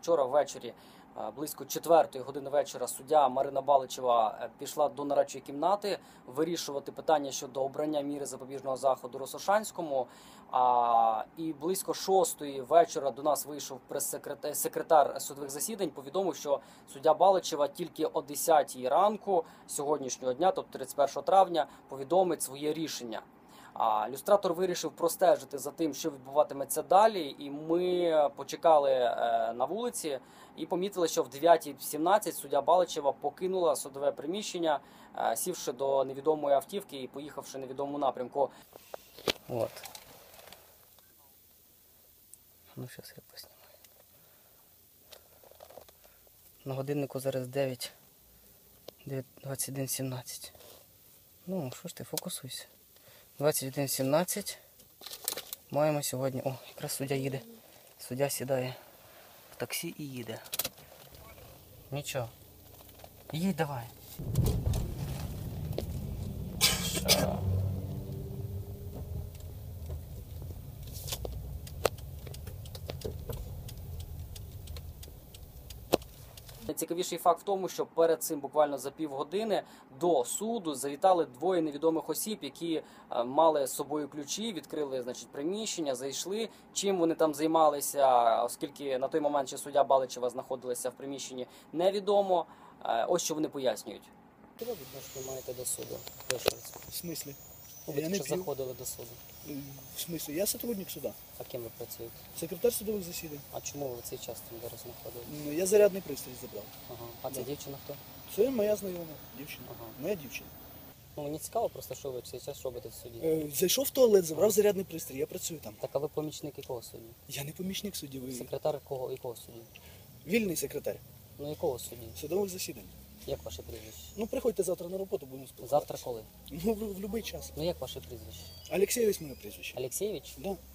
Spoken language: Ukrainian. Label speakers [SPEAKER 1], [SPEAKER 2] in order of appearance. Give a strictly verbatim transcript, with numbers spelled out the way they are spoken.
[SPEAKER 1] вчора ввечері, близько четвертої години вечора, суддя Марина Баличева пішла до нарадчої кімнати вирішувати питання щодо обрання міри запобіжного заходу Росошанському. А, і близько шостої вечора до нас вийшов прес-секретар секретар судових засідань, повідомив, що суддя Баличева тільки о десятій ранку сьогоднішнього дня, тобто тридцять першого травня, повідомить своє рішення. А люстратор вирішив простежити за тим, що відбуватиметься далі, і ми почекали е, на вулиці і помітили, що в дев'ятій сімнадцять суддя Баличева покинула судове приміщення, е, сівши до невідомої автівки і поїхавши в невідомому напрямку. От. Ну, зараз я поснімаю. На годиннику зараз дев'ять, двадцять один сімнадцять. Ну, що ж ти, фокусуйся. двадцять один сімнадцять. Маємо сьогодні... О, якраз суддя їде. Суддя сідає в таксі і їде. Нічого. Їдь давай. Що? Найцікавіший факт в тому, що перед цим буквально за півгодини до суду завітали двоє невідомих осіб, які мали з собою ключі, відкрили, значить, приміщення, зайшли. Чим вони там займалися, оскільки на той момент ще суддя Баличева знаходилася в приміщенні, невідомо. Ось що вони пояснюють. Що ви відношення маєте до суду?
[SPEAKER 2] В смислі?
[SPEAKER 1] Ви
[SPEAKER 2] Я
[SPEAKER 1] тільки
[SPEAKER 2] не
[SPEAKER 1] заходили до суду.
[SPEAKER 2] В смислі? Я сотрудник суда.
[SPEAKER 1] А ким ви працюєте?
[SPEAKER 2] Секретар судових засідань.
[SPEAKER 1] А чому ви в цей час там зараз знаходились?
[SPEAKER 2] Ну, я зарядний пристрій забрав.
[SPEAKER 1] Ага. А це
[SPEAKER 2] Да.
[SPEAKER 1] дівчина хто?
[SPEAKER 2] Це моя знайома дівчина.
[SPEAKER 1] Ага.
[SPEAKER 2] Моя дівчина.
[SPEAKER 1] Ну, мені цікаво просто, що ви в цей час робите в суді.
[SPEAKER 2] Е, зайшов в туалет, забрав зарядний пристрій, я працюю там.
[SPEAKER 1] Так, а ви помічник якого судді?
[SPEAKER 2] Я не помічник судді, ви
[SPEAKER 1] Секретар кого, якого судді?
[SPEAKER 2] вільний секретар
[SPEAKER 1] Ну, якого судді?
[SPEAKER 2] судових засідань.
[SPEAKER 1] Як ваше прізвище?
[SPEAKER 2] Ну, приходьте завтра на роботу, будемо спілкуватися.
[SPEAKER 1] Завтра коли?
[SPEAKER 2] Ну, в, в будь-який час.
[SPEAKER 1] Ну, як ваше прізвище?
[SPEAKER 2] Олексійович моє прізвище.
[SPEAKER 1] Алексєєвич?
[SPEAKER 2] Да.